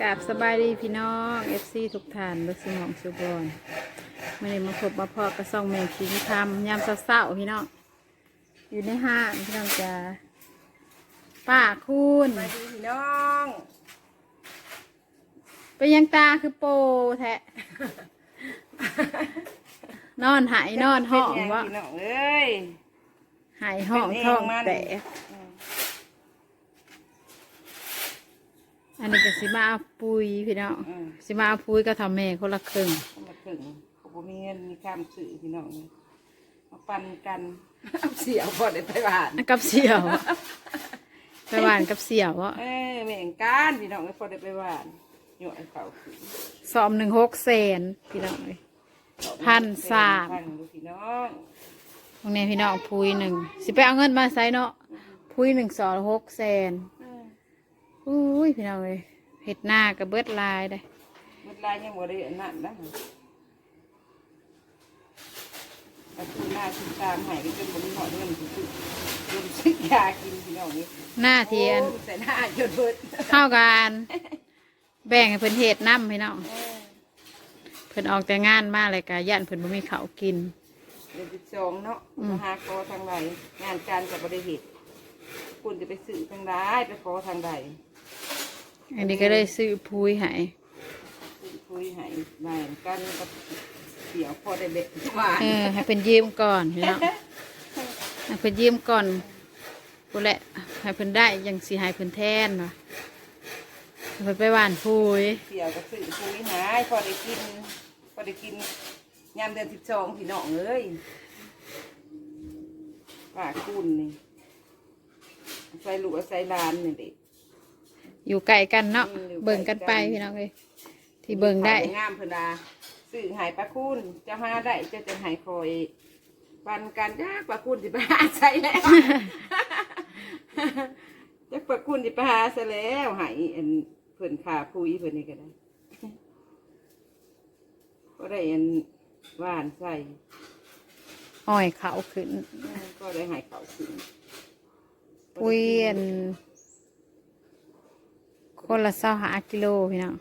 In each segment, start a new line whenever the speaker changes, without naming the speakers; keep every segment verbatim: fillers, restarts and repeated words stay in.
กราบสบายดีพี่น้องเอฟซีทุกท่านเบิกสมองสุบอนมื่อนี้มาพบมาพอกระซ่องแมงคิงคำยามเศร้าๆพี่น้องอยู่ในห้างพี่น้องจ้าป้าคุณ
สวัสดีพี่น้อง
เป็นยังตาคือโปแทะ นอนหายนอนห้อง
เป็น
วะ
ไพี่น้องเอ้ย
หายห้องท้องแต่อันนี้ก็สิมาเอาปุยพี่น้อง
อืม
สิมาเอาปุยก็ทำแม่คนละครึ่ง
คนละครึ่งเขาบ่มีเงินมีข้ามสื่อพี่น้องมาปันกันเอาเสียวพอได้ไปบ้าน
กับเสี่ยว ไปหวานกับเสี่ยวอ่ะ
เอ้ยแม่งการพี่น้องไม่พอได้ไปบ้านหยอดเขาขึ้น
สอมหนึ่งหกแสนพี่น้องเลย พันสาม
พันดูพี่น้อง
ตรงนี้พี่น้องพุยหนึ่งสิไปเอาเงินมาใส่เนาะพุยหนึ่งสองหกแสนอุ้ยพี่น้องเลยเห็ดหน้ากับเบิดลายได้
เมื่อไรยังบ่ได้อันนั่นนะเอาคือหน้าคือตามหายไปจนบ่มีหอดเงินถึงจนซื้อยากินพี่น้องนี่
หน้าเทียน
โอ้แต่หน้าจนเบิด
เข้ากันแบ่งให้เพิ่นเห็ดน้ำพี่น้องเพิ่นออกแต่งานมาเลยกะย่านเพิ่นบ่มีข้าวกิน
เดือนสิบสองเนาะมาหาขอทางใดงานการกับบริเหตุคุณจะไปสื่อทางใดไปขอทางใด
อันนี้ก็เลยซื้อพุยให้
สื่อคุยให้แบ่งกันกับเดี๋ยวพอได้เบ็ดมา
เออให้เพิ่นยืมก่อนพี่น้องให้เพิ่นยืมก่อนกูแหละให้เพิ่นได้ยังสิให้เพิ่นแทนว่ะเพิ่นไปหว่านพุย
เดี๋ยวกับสื่อคุยหายพอได้กินพอได้กินยามเดือนสิบสองพี่น้องเอ้ยป่าคุณนี่ใส่ลูกใส่ลานนี่เด็ก
อยู่ไกลกันเนาะ
อืมอยู่ไกลกัน
เบิ่งกันไปพี่น้องเลยที่เบิ่งได้
งามเพนดาสื่อหายปลาคุณจะหาได้จะจะหายคอยปันกันยากปลาคุณสิไปหาใส่แล้ว จะปลาคุณสิไปหาใส่แล้วหายอันเพิ่นขาพุยเพิ่นนี่ก็ได้ ก็ได้อันหวานใส่
อ้อยเขาขึ้น
ก็ได้หายเขาขึ้น
ปุยอันคนละเศร้าหากิโลพี่น้อง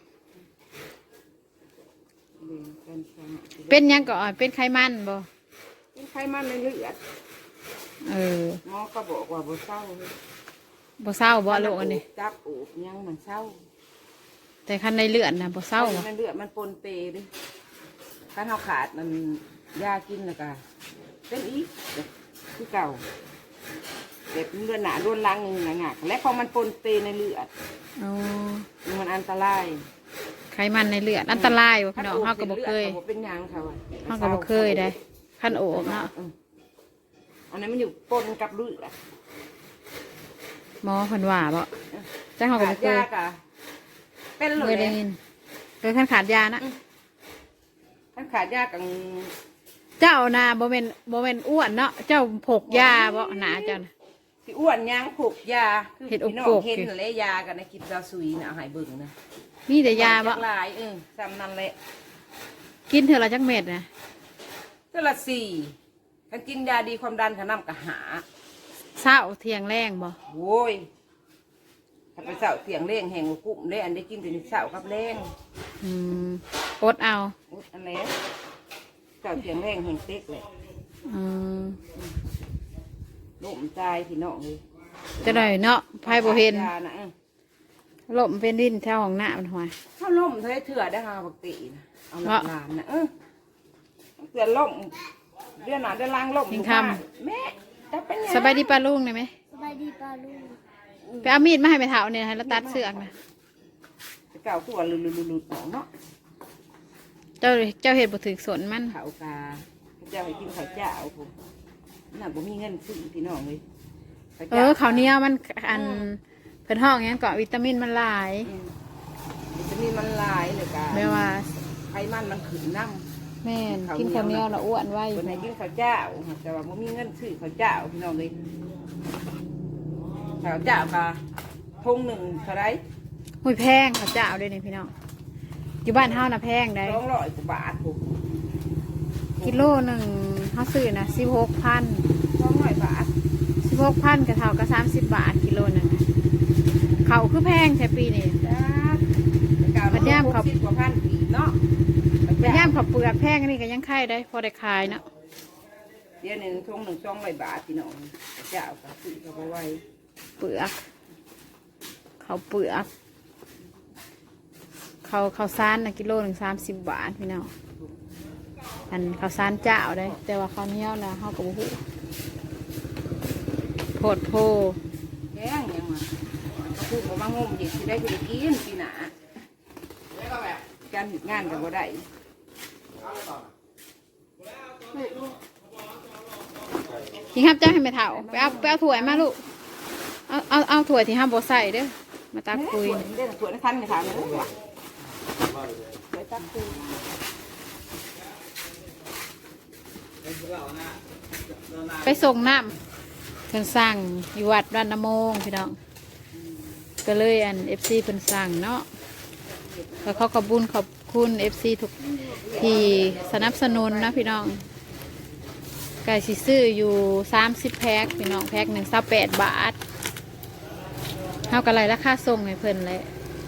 เลี้ยงกันค่ะ
เป็นหยังก่อนเป็นไขมันบ่
เป็นไขมันในเลือด
เออ
หมอก็บอกว่าบ่เศร้าเลย
บ่เศร้าบ่ลูกอันนี้
จับอูบยังมันเศร้า
แต่คันในเลือดนะบ่เศร้าบ่
ในเลือดมันปนเปดิถ้าเราขาดมันยากินแล้วก็เป็นอีกคือเก่าเด็กเลือดหนาล้วนล้างหนึ่งหนักและพอมันปนเปในเลือด
อ๋อ
มันอันตราย
ไขมันในเลือดอันตรายบ่พี่น้องเฮาก็บ่เคย
ขาเป็นหยังเขาอะ
เฮาก็บ่เคยได้คันโอบเนาะ
อืมอันนั้นมันอยู่ปนกับเลือด
หมอเพิ่นว่าบ่จังเฮาก็บ่เคย
ยากะเป็นเล
เคย
ย
ได้ยินเคยคันขาดยานะ
ถ้าขาดยากัง
เจ้าน่ะบ่แม่นบ่แม่นอ้วนเนาะเจ้าพกยาบ่หนาเจ้าน่ะ
สิอ้วนยังผูกยาคือ
เห็ดอก
พี่น้อง
โกก
เห็นและยากันนะกินซาซุยนะเอาใหายเบิ่งนะ
มีแต่ยาบ่
จักหลายเออซ้ำนั่นแหละ
กินเท่าละจักเม็ดนะ
เท่าละสี่ถ้ากินยาดีความดันขน้ำกะหา
เช้าเที่ยงแรงบ่
โว้ยถ้าไปเสาเสียงเร่งแห่งกุ้มได้อันได้กินแต่เสากับเร่ง
อืมอดเอา
อุ๊ยอันแล้วเสาเสียงเร่งแห่งเต็กเลย
อืม
ล่มตายพี่น้องเลย
จะได้เนาะไผบ่เห็น
ยานะเออ
ลมเป็นดินแถวของหน้ามันหัว
ถ้าล่มเธอเถื่อได้หาปกตินะเอาหลักลานนะเออเถื่อล่มเดือนหนาได้ล้างล่มอยู่บ้านแม่จะเป็นไง
สบายดีป้าลุงได้ไหม
สบายดีป้าลุง
ไปเอามีดมาให้ไปเถาเนี่ยให้เราตัดเสือกนะ
เก่าตัวลุลุลุลุหนองเนาะ
เจ้าเจ้าเห็ดบ่ถึกสนมัน
ข้าวกาเจ้าให้กินข้าวเจ้าผมน่ะบ่มีเงินซื้อพี่น้องเลยข้าว
เอ
จ้า
อข้าวเหนียวมันอันเพิ่นห้องหยังเกาะวิตามินมันหลาย
อืมวิตามินมันหลายเลยกา
แม่ว่า
ไขมันมันขึ้นน้ำ
แม่นกินข้าวเหนียวแล้วอ้วนไว้
คนไหนกินข้าวเจ้าแต่ว่าบ่มีเงินซื้อข้าวเจ้าพี่น้องเลยข้าวเจ้ากะทงหนึ่งเท่าไร
หุ้ยแพงข้าวเจ้าเด้นี่พี่น้องอยู่บ้านเฮาน่ะแพงได้
สองร้อยกว่าบาทผม
กิโลหนึงเฮาซื้อน่ะสิบหกพัน
สองร้อยบาท
สิบหกพันก็เท่ากับสามสิบบาทกิโลหนึงน่ะเขาวคือแพงแท้ปีนี้
จ้า
เปลือกแพงนี่ก็ยังไข่ได้พอได้ขายเนาะ
เดี๋ยวหนึ่งทงหนึ่งช่องใบบาทพี่น้องเจ้าก็ซื้อเขาไปไว้
เปลือกเขาเปลือกเขาเขาซานนะกิโลหนึ่งสามสิบบาทพี่น้องอันเขาซานเจ้าได้แต่ว่าเขาวเหนี้ยวนะเขากับบุหูโพดโพ
แกงยังมาเขาพูดว่ามางมเด็กที่ได้ที่ได้กินปีหนาการหยุดงานกันบ่ได้
ที่ห้ามเจ้าให้ไม่เถ่าไปเอาไปเอาถั่วมาลูกเอาเอาเอาถั่วที่ห้ามบใส่เด้อมาตักคุย
เล่นสวนทันกันถามเลยว่าไปตักคุย
ไปส่งน้ำเพิ่นสั่งอยู่วัดรันนโมงพี่น้องก็เลยอันเอฟซีเพิ่นสั่งเนาะแล้วเขาขอบคุญขอบคุณเอฟซีทุกที่สนับสนุนนะพี่น้องไก่สิซื้ออยู่สามสิบแพ็คพี่น้องแพ็คหนึ่งสิบแปดบาทเท่ากับไรราคาส่งให้เพิ่นเลย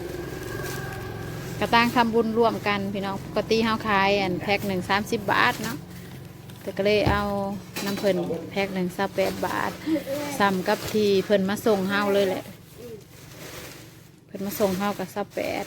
กระตั้งทำบุญร่วมกันพี่น้องปกติเฮาขายอันแพ็คหนึ่งสามสิบบาทเนาะแต่ก็เลยเอาน้ำเพิ่นแพ็คหนึ่งสิบแปดบาทซ้ำกับที่เพิ่นมาส่งเฮาเลยแหละเพิ่นมาส่งเฮากับสิบแปด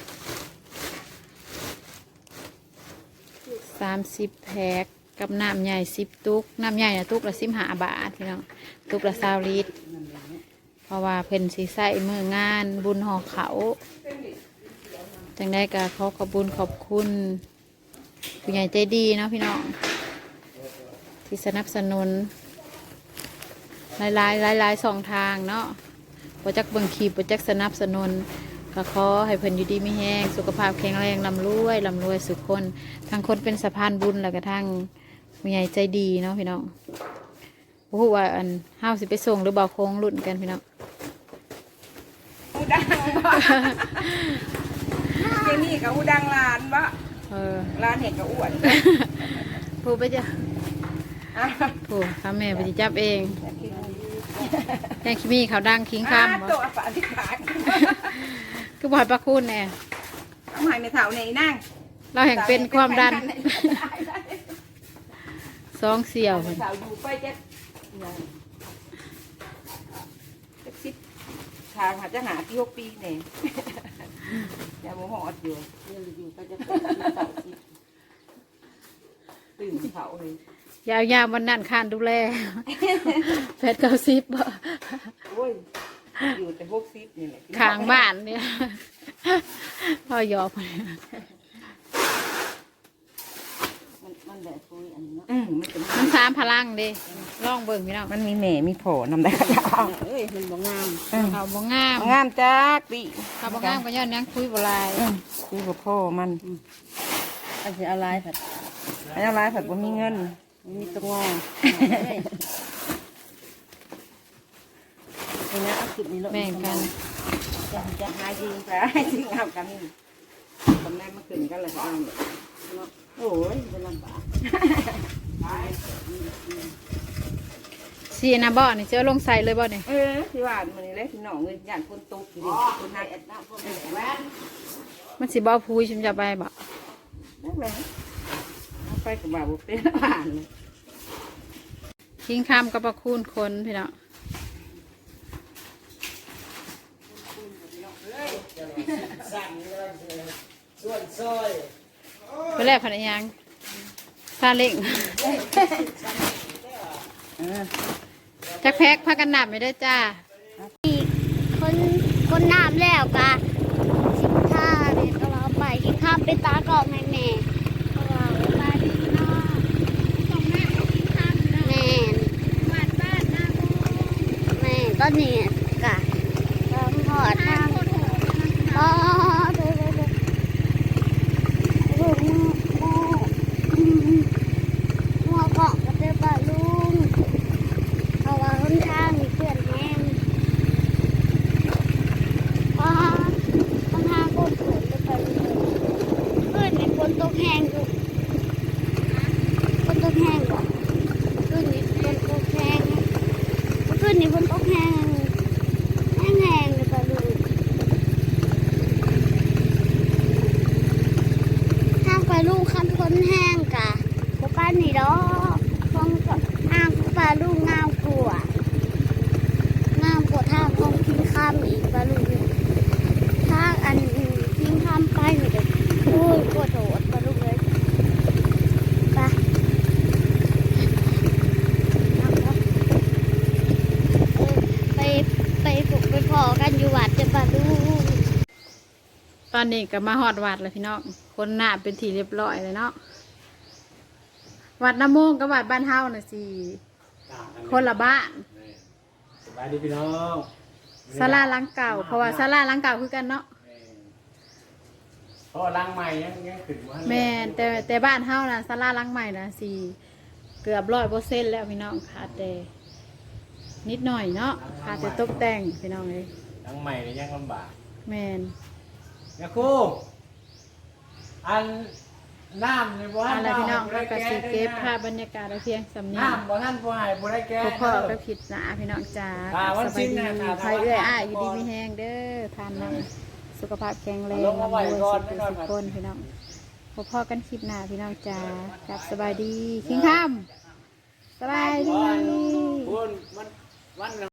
สามสิบแพ็คกับน้ำใหญ่สิบตุกน้ำใหญ่นะตุกละสิบห้าบาทพี่น้องตุกละสามลิตรเพราะว่าเพิ่นสีใส่มืองานบุญห่อเขาจังได้ก็ขอขอบคุญขอบคุณผู้ใหญ่ใจดีเนาะพี่น้องที่สนับสนุนหลายหลายหลายหลายสองทางเนาะโปรเจกต์เบิ่งคีโปรเจกต์สนับสนุนก็ขอให้เพิ่นอยู่ดีมีแห้งสุขภาพแข็งแรงลำรวยลำรวยสุขคนทั้งคนเป็นสะพานบุญแล้วก็ทั้งผู้ใหญ่ใจดีเนาะพี่น้องโอ้โหว่าอันห้าวสิไปส่งหรือเบาโค้งรุ่นกันพี่น้อง
อูดังบ่เจนี่กับอูดังร้านบ่
เออ
ร้านเห็ดกับอ้วน
ผู้ไปจ้ะผู้ข้าแม่ไปจับเองแค่ขี้มีเขาดังคิงคำบ่
ตัวฝาที่ขา
คือบ่อยประคุณแน่
ทำไมไม่เท่าในนั่ง
เราแห่งเป็นความดันสองเสี่ยว
ไม่เท่าอยู่ไปจะจะสิบทางหาจะหาที่หกปีเนี่ยอย่าโมโหดอยู่อยู่ก็จะตื่นเขาเลย
ยาวยาววันนั้นคานดูแลแพทย์เก้าสิบบ่
โอ้ยอยู่แต่หกสิบนี่แหละ
ข้างบ้านเนี่ยพ่อยอก
มันมันแบบคุยอันนี้เนาะอืมมันเป็น
มันสามพลังเดิลองเบิ่งพี่น้อง
มันมีแหม่มีโผล่นำได้กระดาษ
เอ้ยมันบ่งาม
เขาบ่งาม
งามจักดิ
เขาบ่งามก็ย้อนยังคุยบ่หลาย
คุยกับพ่อมัน
อันสิเอาลายผัด
อันนี้ร้ายผัดบ่มีเงิน
มีตัวงอเห็นนะเอาคลิปนี้ลง
แบ่งกัน
จะจะหาจริงแต่ จริงเอากันนี่ตำแหน่งมาขึ้นกันเลยเอาโอ้ยเป็นลำบาก
สีนะบ่อนี่เจ้าลงใส่เลยบ่เนี่ย
เออที่ว่ามันนี่แหละที่น้องเงินย่านคนตกอยู่ดิคนนักแอดน้ำคนแหวน
มันสิบ่เอาพูยชิมจะไปบ่
นั่นแหละเอาไปกับบ่าวเป็นผ่านเลย
ทิ้งคำกับประคุณคนพี่น้องไปแลกพันยังซาเล้งจักแพ็กพักกันหนับไม่ได้จ้า
คนคนน้ำแล้วกะสิบท่าเนี่ยก็เราไปที่ข้ามไปตากอกแม่แม่ก็เราไปที่นอกต้องแม่ที่ข้ามแม่บ้านบ้านหน้าแม่ก็เนี่ยกะต้องหอดทางอ๋อเด้อเด้อเด้อลูกโม่หัวเกาะก็เจอป่าลุงเพราะว่าหนทางมีเพื่อนแห้ง อ่าปัญหาโคตรเกิดเลยไปเพื่อนในฝนตกแห้งอยู่ฝนตกแห้งก่อนเพื่อนในฝนตกแห้งเพื่อนในฝนตกแห้งแห้งแห้งเลยไปเลยทางไปลูกคันฝนแห้งกดอกของทางปลาลูกงามกลัวงามกว่าทางของทิ้งข้ามอีกปลาลูกทางอันทิ้งข้ามไปนี่เด็กโอ้ยกลัวโดดปลาลูกเลยไปไปไปฝึกไปพอกันอยู่วัดจะปลาลูก
ตอนนี้ก็มาฮอดวัดแล้วพี่น้องคนหน้าเป็นทีเรียบร้อยเลยเนาะวัดน้ำโมงกับวัดบ้านเฮาน่ะสิคนละบ้าน
สบายดีพี่น้อง
ศาลาหลังเก่าเพราะว่าศาลาหลังเก่าคือกันเนาะ
เพราะล้างใหม่ยังยังขึ้นมา
แม่นแต่แต่บ้านเฮานะศาลาหลังใหม่นะสิเกือบร้อยเปอร์เซ็นต์แล้วพี่น้องขาดแต่นิดหน่อยเนาะขาดแต่ตกแต่งพี่น้องเลย
ล้างใหม่เนี่ยยังลำบาก
แม่น
ยาคูอันน้ำในบ่
อะ
ทัน
ไรพี่น้องเราก็สิเก็บภาพบรรยากาศไว้เพียงสำเนียง
น้ำบ่ท่านผู้ให้ผู้ได้แก่
พ่อพ่อก็ผิดนะพี่น้องจ้า
อ่าวัน
ส
สิ้
บาย
น
ดี
นะ
ใครเอื้อยอ้ายอยู่ดีมีแห้งเด้อทานน้ำสุขภาพแข็งแรง
ลงมาไว้
รวย
ก่อ
สุ
น
ข
ไว้ก่อน
สุขคนพี่น้องพ่อพ่อกันคลิปหน้าพี่น้องจ้ากับสบายดีคิงคำสบายดี
คุณมันวัน